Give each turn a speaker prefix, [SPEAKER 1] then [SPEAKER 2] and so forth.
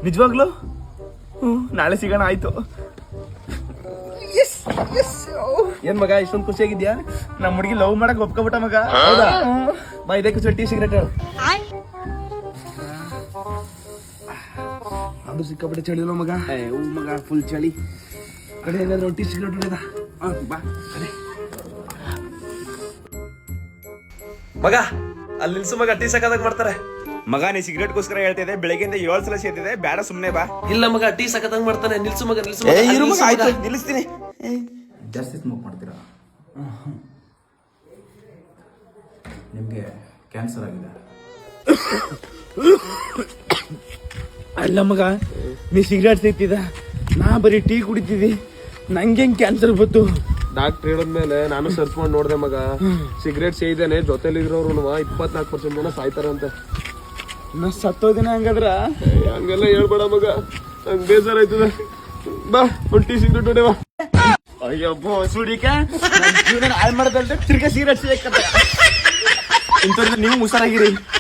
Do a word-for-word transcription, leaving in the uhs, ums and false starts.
[SPEAKER 1] ನಿಜವಾಗ್ಲು ಹ್ಞೂ ನಾಳೆ ಸಿಗೋಣ ಆಯ್ತು.
[SPEAKER 2] ಏನ್ ಮಗ ಇಷ್ಟೊಂದು ಖುಷಿಯಾಗಿದ್ಯಾ?
[SPEAKER 1] ನಮ್ಮ ಹುಡುಗಿ ಲವ್ ಮಾಡಕ್ ಒಪ್ಕೊಬಿಟ್ಟ ಮಗ.
[SPEAKER 2] ಹೌದಾ? ಬಾ ಇದಕ್ಕೆ ಟೀ ಸಿಗರೇಟ್ ಹೇಳು. ಅದು ಸಿಕ್ಕಾಪಟ್ಟೆ ಚಳಿಲ್ಲ ಮಗ.
[SPEAKER 1] ಹೂ ಮಗ ಫುಲ್ ಚಳಿ.
[SPEAKER 2] ಕಡೆ ಏನಾದ್ರು ಟೀ ಸಿಗರೇಟ್ ಹೊಡೆದ
[SPEAKER 1] ಬಾ ಕಡೆ
[SPEAKER 3] ಮಗ ಅಲ್ಲಿ ನಿಲ್ಸು ಮಗ, ಟೀ ಸಕ್ಕದಾಗ ಮಾಡ್ತಾರೆ.
[SPEAKER 1] ಮಗ ನೀ ಸಿಗರೇಟ್ಗೋಸ್ಕರ ಹೇಳ್ತಿದ್ದೆ, ಬೆಳಗ್ಗೆಯಿಂದ ಏಳು ಸಲ ಸೇರ್ತಿದೆ, ಬೇಡ ಸುಮ್ಮನೆ ಬಾ.
[SPEAKER 3] ಇಲ್ಲ ಮಗ, ಟೀ ಸಕ್ಕದಾಗ ಮಾಡ್ತಾನೆ. ನಿಲ್ಸು ಮಗ, ನಿಲ್ಸು
[SPEAKER 1] ಏ
[SPEAKER 3] ಮಗ,
[SPEAKER 1] ಇರು ಮಗ,
[SPEAKER 3] ನಿಲ್ಸು
[SPEAKER 1] ಆಯ್ತು
[SPEAKER 3] ಮಗ.
[SPEAKER 1] ನಿಲ್ಲಿಸ್ತೀನಿ.
[SPEAKER 4] ಜಾಸ್ತಿ ಸ್ಮೋಕ್ ಮಾಡ್ತೀರಾ? ನಿಮಗೆ ಕ್ಯಾನ್ಸರ್ ಆಗಿದೆ.
[SPEAKER 1] ಅಲ್ಲ ಮಗ, ನೀ ಸಿಗರೇಟ್ ಸೇರ್ತಿದ್ದ, ನಾ ಬರೀ ಟೀ ಕುಡಿತಿದ್ದಿ, ನಂಗೆ ಹೆಂಗ್ ಕ್ಯಾನ್ಸರ್ ಬಂತು?
[SPEAKER 2] ಡಾಕ್ಟರ್ ಹೇಳಿದ್ಮೇಲೆ ನಾನು ಸರ್ಚ್ ಮಾಡಿ ನೋಡ್ದೆ ಮಗ. ಸಿಗರೇಟ್ ಸೇದಿದ್ದೇನೆ, ಜೊತೆಲಿ ಇರೋರು ಇಪ್ಪತ್ನಾಲ್ಕು ಪರ್ಸೆಂಟ್ ಜನ ಸಾಯ್ತಾರಂತೆ.
[SPEAKER 1] ನಾ ಸತ್ತೋದಿನ ಹಂಗಾದ್ರ?
[SPEAKER 2] ಹಂಗೆಲ್ಲ ಹೇಳ್ಬೇಡ ಮಗ, ನಂಗೆ ಬೇಜಾರಾಯ್ತದೆ. ಬಾ ಒಂದು ಟೀ ಸಿಗರೇಟ್ ಹೊಡೆವಾ.
[SPEAKER 1] ಅಯ್ಯಬ್ಬೋ ಸುಡಿಕ ಜೀವನ ಹಾಳು ಮಾಡ್ದಂತೆ ತಿರ್ಗಾ ಸಿಗರೇಟ್ ಸೇಕತ್ತ. ಇಂಥವ್ರಿಂದ ನೀವು ಹುಷಾರಾಗಿರಿ.